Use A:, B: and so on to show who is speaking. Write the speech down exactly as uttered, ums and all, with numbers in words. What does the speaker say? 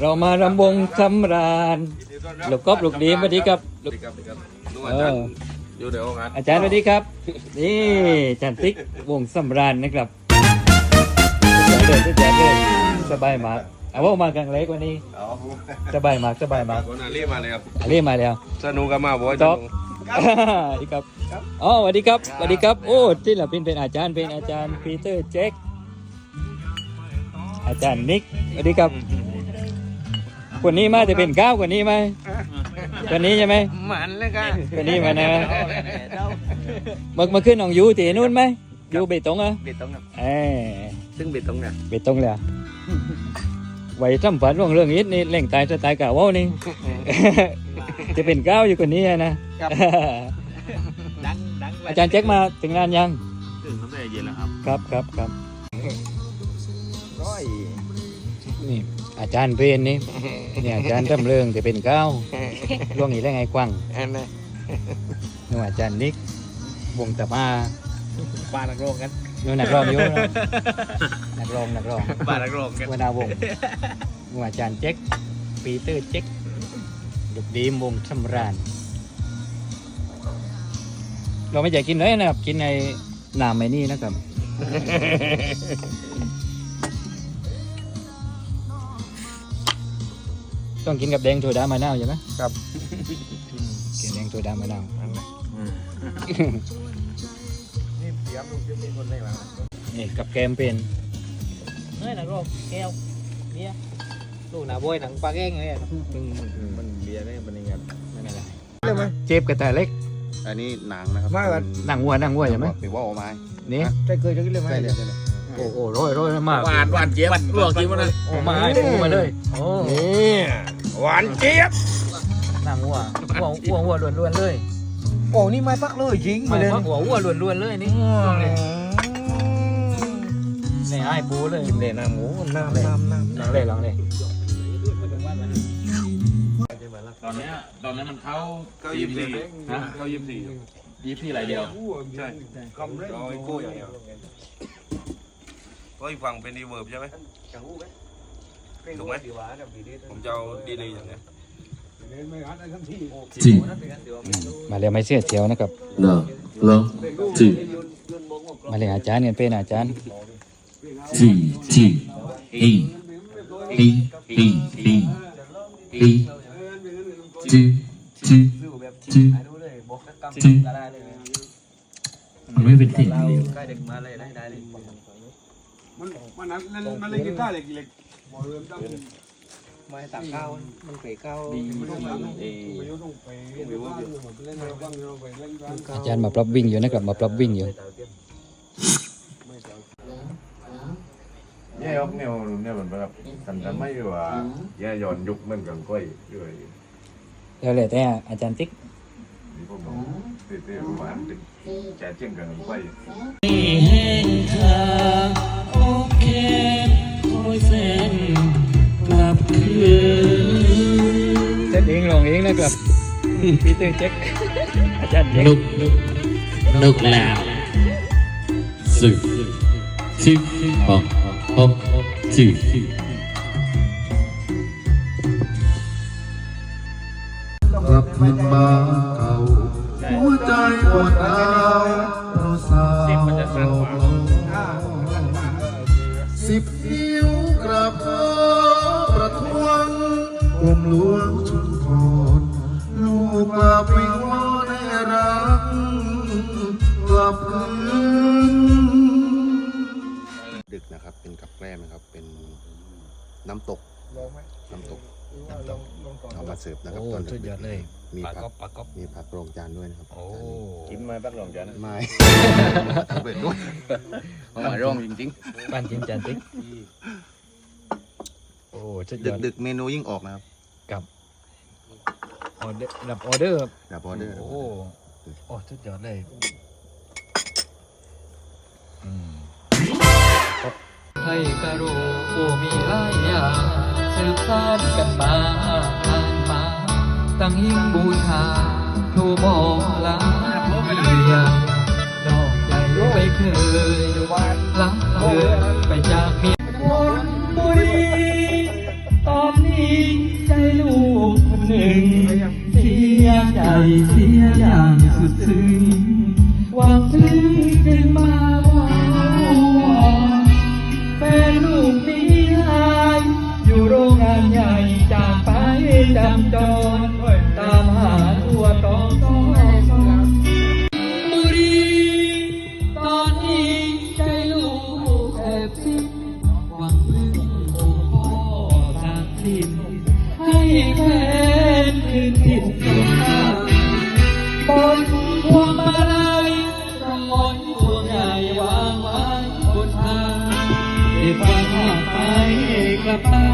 A: เรามารำวงสำราญลูกกบลูกดีสวัสดีครับลูกเอออาจารย์สวัสดีครับนี่อาจารย์ติ๊กวงสำราญนะครับเดินเดินเดินสบายมากเอาว่ามากันเล็กวันนี้สบายมากสบายมาก
B: อาลีมาเลยครับ
A: อาลีมาแล้ว
B: สนุกกันมาบ่อย
A: จ๊อกสวัสดีครับอ๋อสวัสดีครับสวัสดีครับโอ้ที่เราเป็นเป็นอาจารย์เป็นอาจารย์ปีเตอร์แจ็คอาจารย์นิกสวัสดีครับคนนี้มาจะเป็นก้าวคนนี้ไหมคนนี้ใช่ไหม
C: หมันเลยกัน
A: คนนี้มานะเมื่อเมื่อคืนน้องยูที่นู่นไหมยูเบตงอ่ะ
C: เบตงครับ
A: เออ
C: ซึ่งเบตงเนี่ย
A: เบตงเลยไว้ทำฝันว่างเรื่องนี้นี่เล่งตายจะตายกะว่านี่จะเป็นก้าวอยู่คนนี้นะอาจารย์แจ็คมาถึงงานยัง
C: ถึงตั้งแต่เย็นแล้วครับ
A: ครับครับครับ
C: ร้อย
A: นี่อาจารย์เพนนี่เนี่ยอาจารย์ทำเรื่องจะเป็นก้าวล่วงอีกแล้วไงกว้างนู่นอาจารย์นิกวงตะมา
C: บ้านนักร้องกัน
A: นู่นนักร้องอยู่นักร้องนักร้อง
C: บ้านนักร้องกัน
A: วนาวงนู่นอาจารย์แจ็คปีเตอร์แจ็คลูกดีมวงสำราญเราไม่อยากกินเลยนะครับกินในน้ำไอ้นี่นะครับต้องกินกับแดงโซดามะนาวใช่ไหม
C: ครับ
A: กินแดงโซดามะนาว
C: นี่เสียมจะมีคนได้บ้าง
A: นี่กับแกมเป็น
C: เฮ้ยหนังโรคแก้วเบียร์ลูกหนาบวยหนังปลาแก้งเลยมันเบียร์ได้มันยังไงไม่เป็นไร
A: เจ็บกระต่ายเล็ก
B: อันนี้หนังนะครับ
A: หนังวัวหนังวัวใช่ไหม
B: หรือว่าโอไม้
A: นี่
C: ใช่เคยจะกินเลยไหม
B: ใช่เลยใช่เลย
A: โอ้โหร้อยร้อยมาก
C: หวานหวานเจี๊ยบลวกกินมาเลย
A: โอ้มาให้ปูมาเลยโอ้
C: นี่หวานเจี๊ยบ
A: หนังวัววัววัววัวล้วนๆเลย
C: โอ้นี่ไม่พักเลยจริง
A: ไม่พักหัววัวล้วนๆเลยนี่นี่ให้ปูเลย
C: กินเลยน้ำหมูน้ำน้ำน้ำ
A: ลองเลยลองเลย
B: ตอนนี้ตอนนั้นมันเข้าเข้ายี่สิบสี่นะเข้ายี่สิบสี่ยี่สิบสี่อะไรเดียวใช่ร้อยกู้อย่างเดียวก็อีกฝั่งเป็นรีเวิร์บใช่ไหมถูกไหมผมจะเอาดีเลยอย่างเนี้ย
A: จีมาเรียนไม่เสียเสียวนะครับ
B: เนาะเนาะจี
A: มาเรียนอาจารย์เนี่ยเป็นอาจารย์
B: จีจีเอเอเอเอเอจีจีจีจีมันไม่เป็นสิ่งเดียว
C: ใกล้เด็กมาเลยได้ได้เลย
D: มันมันนั่นมันเล่นกีตาร์เล็กเล็ก
C: ไม่ตักข้าวมันเปรี้ยว
A: อาจารย์มาปรับวิ่งอยู่นะครับมาปรับวิ่งอยู่
B: เนี่ยยกเนี่ยเนี่ยเหมือนแบบสันจะไม่ว่าเนี่ยย้อนยุคเหมือนกันก้อยด้วย
A: แล้วเลยแต่อาจารย์ติ๊ก
B: นี่พวกผมตีตีประมาณติดแจกเจียงกันก้อย
A: โอเคคอยเส้นกลับคืนเต้นเองลองเองนะครับปีเตอร์แจ็คอาจารย์แจ็ค
E: นุกนุกแล้วสิบสิบหกหกสิบ
F: กลับคืนมาเก่าหัวใจปวดร้าวเพราะสาวสิบนิ้วกราบขอประท้วงกรมหลวงชุมพรลูกกลับวิงวอนให้รักกลับคืน
B: ดึกนะครับเป็นกับแกล้มนะครับเป็นน้ำตกน้ำตกเอามาเสิร์ฟนะครับตอนดึกเลยมีผักมีผักรองจานด้วยนะครับโอ้กินมาผักรองจานไม่เปิดด้วยเอามาร่องจริง
A: ๆบ้านจริงจานติ๊กโอ้
B: ดึกดึกเมนูยิ่งออกนะครับ
A: กับออเดอร์รับออเดอร์
B: รับออเดอร์
A: โอ้โอ้สุดยอดเลยให้กระโดโอ้มีหลายอย่างสืบสานกันมาอ่านมาตั้งหิ้งบูชาครูบอลาเรียนดอกใจไม่เคยลังเลไปจากเมียวนบุรีตอนนี้
E: ลับบ้าน